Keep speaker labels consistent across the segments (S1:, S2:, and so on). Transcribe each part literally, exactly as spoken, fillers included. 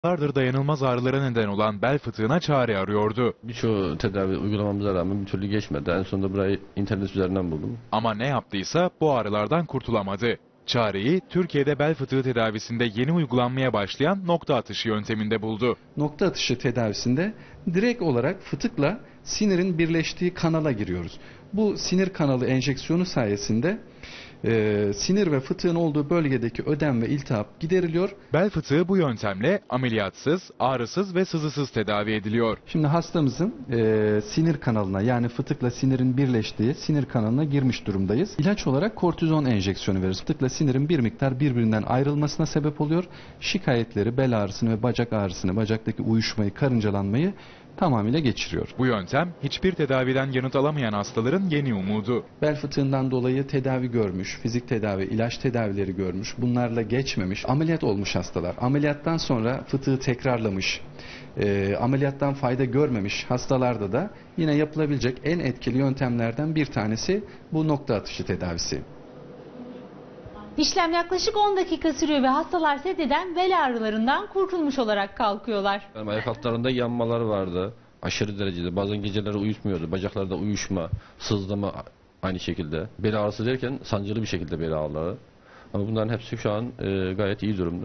S1: Yıllardır dayanılmaz ağrılara neden olan bel fıtığına çare arıyordu.
S2: Birçok tedavi uygulamamıza rağmen bir türlü geçmedi. En sonunda burayı internet üzerinden buldum.
S1: Ama ne yaptıysa bu ağrılardan kurtulamadı. Çareyi Türkiye'de bel fıtığı tedavisinde yeni uygulanmaya başlayan nokta atışı yönteminde buldu.
S3: Nokta atışı tedavisinde direkt olarak fıtıkla sinirin birleştiği kanala giriyoruz. Bu sinir kanalı enjeksiyonu sayesinde e, sinir ve fıtığın olduğu bölgedeki ödem ve iltihap gideriliyor.
S1: Bel fıtığı bu yöntemle ameliyatsız, ağrısız ve sızısız tedavi ediliyor.
S3: Şimdi hastamızın e, sinir kanalına, yani fıtıkla sinirin birleştiği sinir kanalına girmiş durumdayız. İlaç olarak kortizon enjeksiyonu veriyoruz. Fıtıkla sinirin bir miktar birbirinden ayrılmasına sebep oluyor. Şikayetleri, bel ağrısını ve bacak ağrısını, bacaktaki uyuşmayı, karıncalanmayı tamamıyla geçiriyor.
S1: Bu yöntem hiçbir tedaviden yanıt alamayan hastaların yeni umudu.
S3: Bel fıtığından dolayı tedavi görmüş, fizik tedavi, ilaç tedavileri görmüş, bunlarla geçmemiş, ameliyat olmuş hastalar. Ameliyattan sonra fıtığı tekrarlamış, e, ameliyattan fayda görmemiş hastalarda da yine yapılabilecek en etkili yöntemlerden bir tanesi bu nokta atışı tedavisi.
S4: İşlem yaklaşık on dakika sürüyor ve hastalar sedyeden bel ağrılarından kurtulmuş olarak kalkıyorlar.
S2: Yani ayak altlarında yanmalar vardı. Aşırı derecede. Bazen geceleri uyuşmuyordu. Bacaklarda uyuşma, sızlama aynı şekilde. Bel ağrısı derken sancılı bir şekilde bel ağrıları. Ama bunların hepsi şu an e, gayet iyi durumda.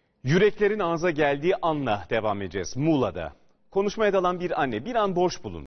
S5: Yüreklerin ağza geldiği anla devam edeceğiz. Muğla'da konuşmaya dalan bir anne bir an boş bulundu.